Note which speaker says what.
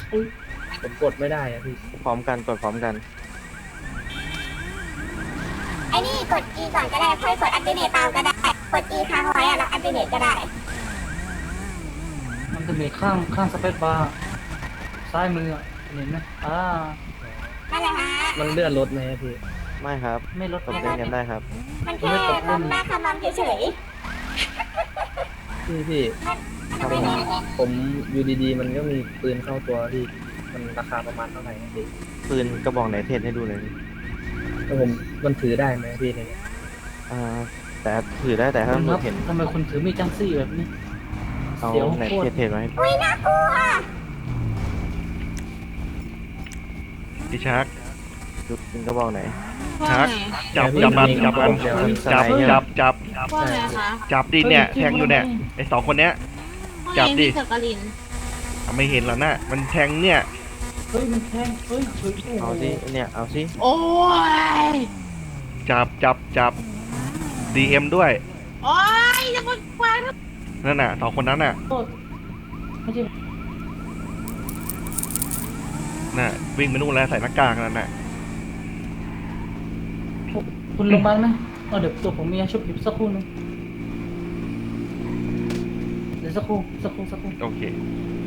Speaker 1: อุ๊ยผมกดไม่ได้อะพี่
Speaker 2: พร้อมกันกดพร้อมกัน
Speaker 3: ไอ้นี่กด E ก่อนก็ได้ค่อยกดอัปเดตตามก็ได้กด E ค้างไว้อะแล้วอัปเดตก็ได้
Speaker 4: มันจะมีข้างสเปซบาร์ซ้ายมืออะเห็นไหม
Speaker 3: นั่นแหละฮะ
Speaker 1: มันเลื่อนรถไหมอะพี่
Speaker 2: ไม่ครับ
Speaker 4: ไม่ลด
Speaker 2: กดเล่นกันได้ครับ
Speaker 3: มันแค่ล้มหน้าคำนำเฉย
Speaker 1: พี่
Speaker 3: ๆมันไม่ได้
Speaker 1: ผมอยู่ดีๆ มันก็มีปืนเข้าตัวพี่มันราคาประมาณเท่าไหร่อะพี่
Speaker 2: ปืนกระบอกไหนเทสให้ดูเลย
Speaker 1: แล้วผมมันถือได้ไหมพี่เนี่ย
Speaker 2: แต่ถือได้แต่ถ้า
Speaker 4: คุณ
Speaker 2: มื
Speaker 4: ครั
Speaker 2: อบเห็น
Speaker 4: ทำไมคุณถือมีดจังซี่แบบนี้
Speaker 2: เอา
Speaker 4: เดี๋ยว
Speaker 2: ไหน
Speaker 4: โคตร
Speaker 2: เทสมาให้
Speaker 3: อุ้ยน่ากลัว
Speaker 5: พี่ชัก
Speaker 2: ดูปืนกระบอกไหน
Speaker 5: ชักจับมันจับมัน
Speaker 1: เดี๋ยวมัน
Speaker 5: จับ
Speaker 2: สไนด์
Speaker 6: ว่าไงคะ
Speaker 5: จับดิเนี่ยแทงอยู่เนี่ยไอ้สองคนเนี้ย จับดิ
Speaker 6: พี่จักริน
Speaker 5: ไม่เห็นแล้วนะมันแทงเนี่ย
Speaker 4: เฮ้ยมันแทงเฮ้ยเฮ้ยโอ้โห
Speaker 2: เอาสิเนี่ยเอาสิ
Speaker 6: โอ้ย
Speaker 5: จับDM ด้วย
Speaker 6: โอ้ยจะมาควาง
Speaker 5: นั่นน่ะสองคนนั้นน่ะ
Speaker 4: โทษไม่ใช่
Speaker 5: น่ะวิ่งไปนู่นแล้วใส่หน้ากากนั่นน่ะ
Speaker 4: คุณลงไปไหมเดี๋ยวตัวผมมีอาชุบอยู่สักครู่นึงเดี๋ยวสักครู่
Speaker 5: โอเค
Speaker 4: เ